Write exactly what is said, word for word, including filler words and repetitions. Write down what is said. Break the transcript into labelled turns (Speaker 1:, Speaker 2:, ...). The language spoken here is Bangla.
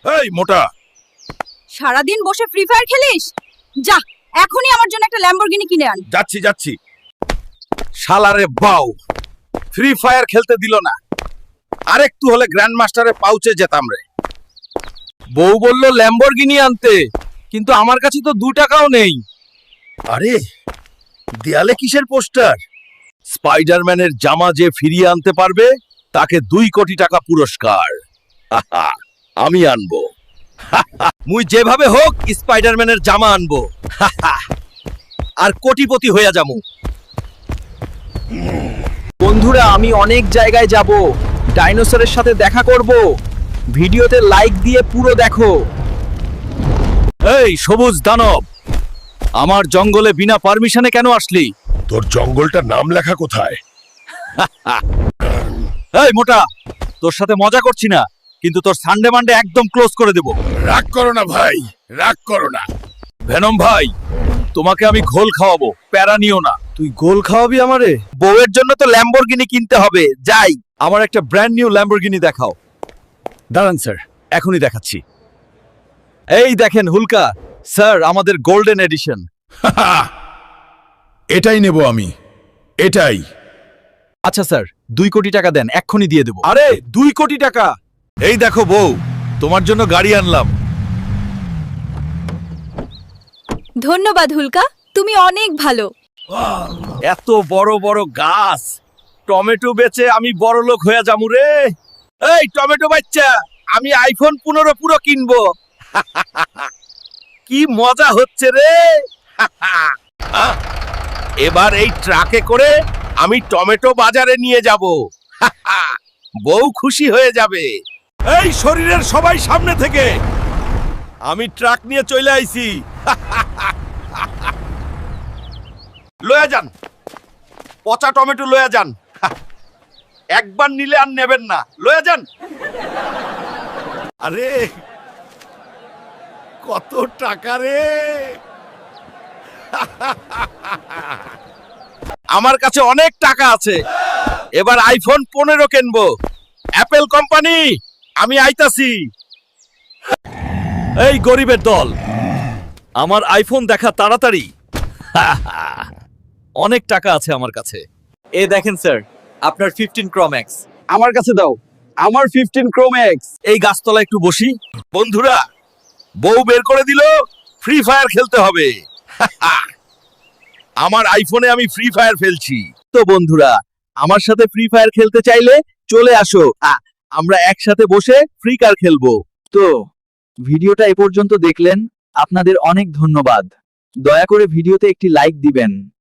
Speaker 1: এই মোটা,
Speaker 2: সারাদিন বসে ফ্রি ফায়ার খেলিস? যা এখনই আমার জন্য একটা ল্যাম্বরগিনি কিনে আন।
Speaker 1: যাচ্ছি যাচ্ছি। শালারে বাউ, ফ্রি ফায়ার খেলতে দিল না। আরেকটু হলে গ্র্যান্ড মাস্টারে পাউচে যেতাম রে। বউ বলল ল্যাম্বরগিনি আনতে, কিন্তু আমার কাছে তো দু টাকাও নেই। আরে দেয়ালে কিসের পোস্টার? স্পাইডারম্যানের জামা যে ফিরিয়ে আনতে পারবে তাকে দুই কোটি টাকা পুরস্কার। হাহা, আমি আনবো। হাহা, মুই যেভাবে হোক স্পাইডারম্যানের জামা আনবো। হাহা, আর কোটিপতি হইয়া যামু।
Speaker 3: বন্ধুরা, আমি অনেক জায়গায় যাব, ডাইনোসরের সাথে দেখা করব। ভিডিওতে লাইক দিয়ে পুরো দেখো।
Speaker 1: এই সবুজ দানব, আমার জঙ্গলে বিনা পারমিশনে কেন আসলি?
Speaker 4: তোর জঙ্গলটার নাম লেখা কোথায়?
Speaker 1: এই মোটা, তোর সাথে মজা করছি না, কিন্তু তোর সানডে মানডে একদম ক্লোজ করে দেব।
Speaker 4: রাগ করো না ভাই, রাগ করো না।
Speaker 1: ভেনম ভাই, তোমাকে আমি ঘোল খাওয়াবো, প্যারা নিও না।
Speaker 3: তুই গোল খাওয়াবি আমারে?
Speaker 1: বউয়ের জন্য তো ল্যাম্বরগিনি কিনতে হবে। যাই, আমার একটা ব্র্যান্ড নিউ ল্যাম্বরগিনি দেখাও। দাঁড়ান স্যার, এখনই দেখাচ্ছি। এই দেখেন হুলকা স্যার, আমাদের গোল্ডেন এডিশন।
Speaker 4: এটাই নেব আমি, এটাই।
Speaker 1: আচ্ছা স্যার, দুই কোটি টাকা দেন, এক্ষুনি দিয়ে দেবো। আরে দুই কোটি টাকা? এই দেখো বউ, তোমার জন্য গাড়ি আনলাম।
Speaker 2: ধন্যবাদ হুলকা, তুমি অনেক ভালো।
Speaker 1: এত বড় বড় গাছ, টমেটো বেচে আমি বড় লোক হয়ে যামু রে। এই টমেটো বাচ্চা, আমি আইফোন পনেরো পুরো কিনবো। কি মজা হচ্ছে রে। এবার এই ট্রাকে করে আমি টমেটো বাজারে নিয়ে যাব। বউ খুশি হয়ে যাবে। এই শরীরের সবাই সামনে থেকে, আমি ট্রাক নিয়ে চলে আইছি। লয়া যান, পচা টমেটো লয়া যান। একবার নিলে আর নেবেন না, লয়া যান। আরে কত টাকা রে। আমার কাছে অনেক টাকা আছে, এবার আইফোন পনেরো কিনবো। অ্যাপেল কোম্পানি, আমি আইতাছি। এই গরিবের দল, আমার আইফোন দেখা তাড়াতাড়ি। অনেক টাকা আছে আমার কাছে।
Speaker 3: এ দেখেন স্যার, আপনার ফিফটিন প্রো ম্যাক্স।
Speaker 1: আমার কাছে দাও, আমার ফিফটিন প্রো ম্যাক্স। এই গাছতলা একটু বসি। বন্ধুরা, বউ বের করে দিল, ফ্রি ফায়ার খেলতে হবে। আমার আইফোনে আমি ফ্রি ফায়ার ফেলছি। তো বন্ধুরা, আমার সাথে ফ্রি ফায়ার খেলতে চাইলে চলে আসো, আ, আমরা একসাথে বসে ফ্রি কার খেলবো।
Speaker 3: তো ভিডিওটা এ পর্যন্ত দেখলেন, আপনাদের অনেক ধন্যবাদ। দয়া করে ভিডিওতে একটি লাইক দিবেন।